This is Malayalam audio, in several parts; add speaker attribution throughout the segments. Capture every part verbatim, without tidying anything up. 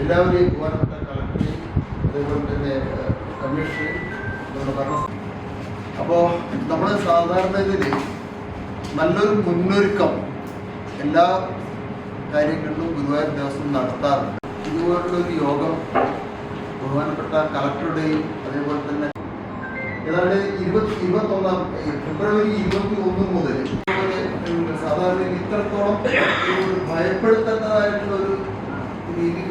Speaker 1: എല്ലാവരെയും ബഹുമാനപ്പെട്ട കളക്ടറേയും അതേപോലെ തന്നെ കമ്മീഷണറേയും ഭരണ. അപ്പോൾ നമ്മൾ സാധാരണ ഇതിൽ നല്ലൊരു മുന്നൊരുക്കം എല്ലാ കാര്യങ്ങളിലും ഗുരുവായൂർ ദിവസം നടത്താറുണ്ട്. ഇതുപോലുള്ളൊരു യോഗം ബഹുമാനപ്പെട്ട കളക്ടറുടെയും അതേപോലെ തന്നെ ഏതാണ്ട് ഇരുപത്തി ഇരുപത്തൊന്നാം ഫെബ്രുവരി ഇരുപത്തി ഒന്ന് മുതൽ സാധാരണ ഇത്രത്തോളം ഭയപ്പെടുത്തേണ്ടതായിട്ടുള്ള ഒരു രീതി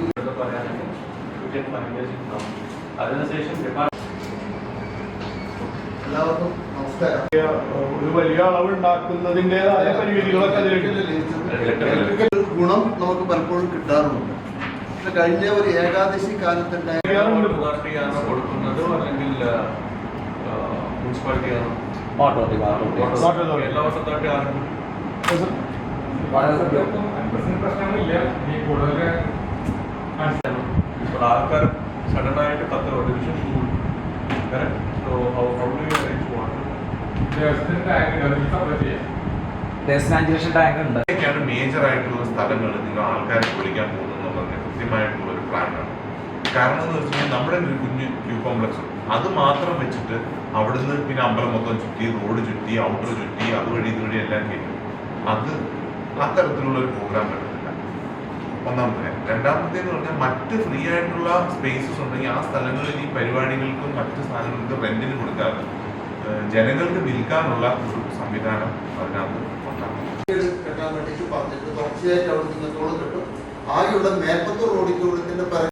Speaker 1: എല്ലാവർക്കും നമസ്കാരം.
Speaker 2: ഒരു വലിയ അളവ് ഉണ്ടാക്കുന്നതിൻ്റെതായ പരിമിതികളൊക്കെ
Speaker 1: ഗുണം നമുക്ക് പലപ്പോഴും കിട്ടാറുണ്ട്. പക്ഷെ കഴിഞ്ഞ ഒരു ഏകാദശി കാലത്തുണ്ടായ
Speaker 3: കൊടുക്കുന്നത് അല്ലെങ്കിൽ മുനിസിപ്പാലിറ്റിയാണോ എല്ലാ വർഷത്തായിട്ട് ഇപ്പോൾ ആൾക്കാർ സഡൻ ആയിട്ട് കത്ത് ഡിവിഷൻ സ്കൂൾ മേജർ ആയിട്ടുള്ള സ്ഥലങ്ങൾ നിങ്ങൾ ആൾക്കാരെ വിളിക്കാൻ പോകുന്നത് കൃത്യമായിട്ടുള്ള ഒരു പ്ലാനാണ്. കാരണം എന്ന് വെച്ച് കഴിഞ്ഞാൽ നമ്മുടെ ഒരു കുഞ്ഞ് ക്യൂ കോംപ്ലക്സ് അത് മാത്രം വെച്ചിട്ട് അവിടുന്ന് പിന്നെ അമ്പലം മൊത്തം ചുറ്റി റോഡ് ചുറ്റി ഔട്ടർ ചുറ്റി അതുവഴി ഇതുവഴി എല്ലാം കേട്ടു. അത് അത്തരത്തിലുള്ള ഒരു പ്രോഗ്രാം പറ്റുന്നില്ല. ഒന്നാമത്തെ. രണ്ടാമത്തേന്ന് പറഞ്ഞാൽ മറ്റ് ഫ്രീ ആയിട്ടുള്ള സ്പേസസ് ഉണ്ടെങ്കിൽ ആ സ്ഥലങ്ങളിൽ ഈ പരിപാടികൾക്കും മറ്റ് സാധനങ്ങൾക്കും റെന്റിന് കൊടുക്കാതെ ജനങ്ങൾക്ക് വിൽക്കാനുള്ള ഒരു സംവിധാനം അതിനകത്ത്
Speaker 1: കെട്ടാൻ വേണ്ടിയിട്ട് പറഞ്ഞിട്ട് തുടർച്ചയായിട്ട് അവിടെ നിന്നോളം കിട്ടും. ആകെയുള്ള മേൽപ്പത്തൂർ ഓഡിറ്റോറിയത്തിന്റെ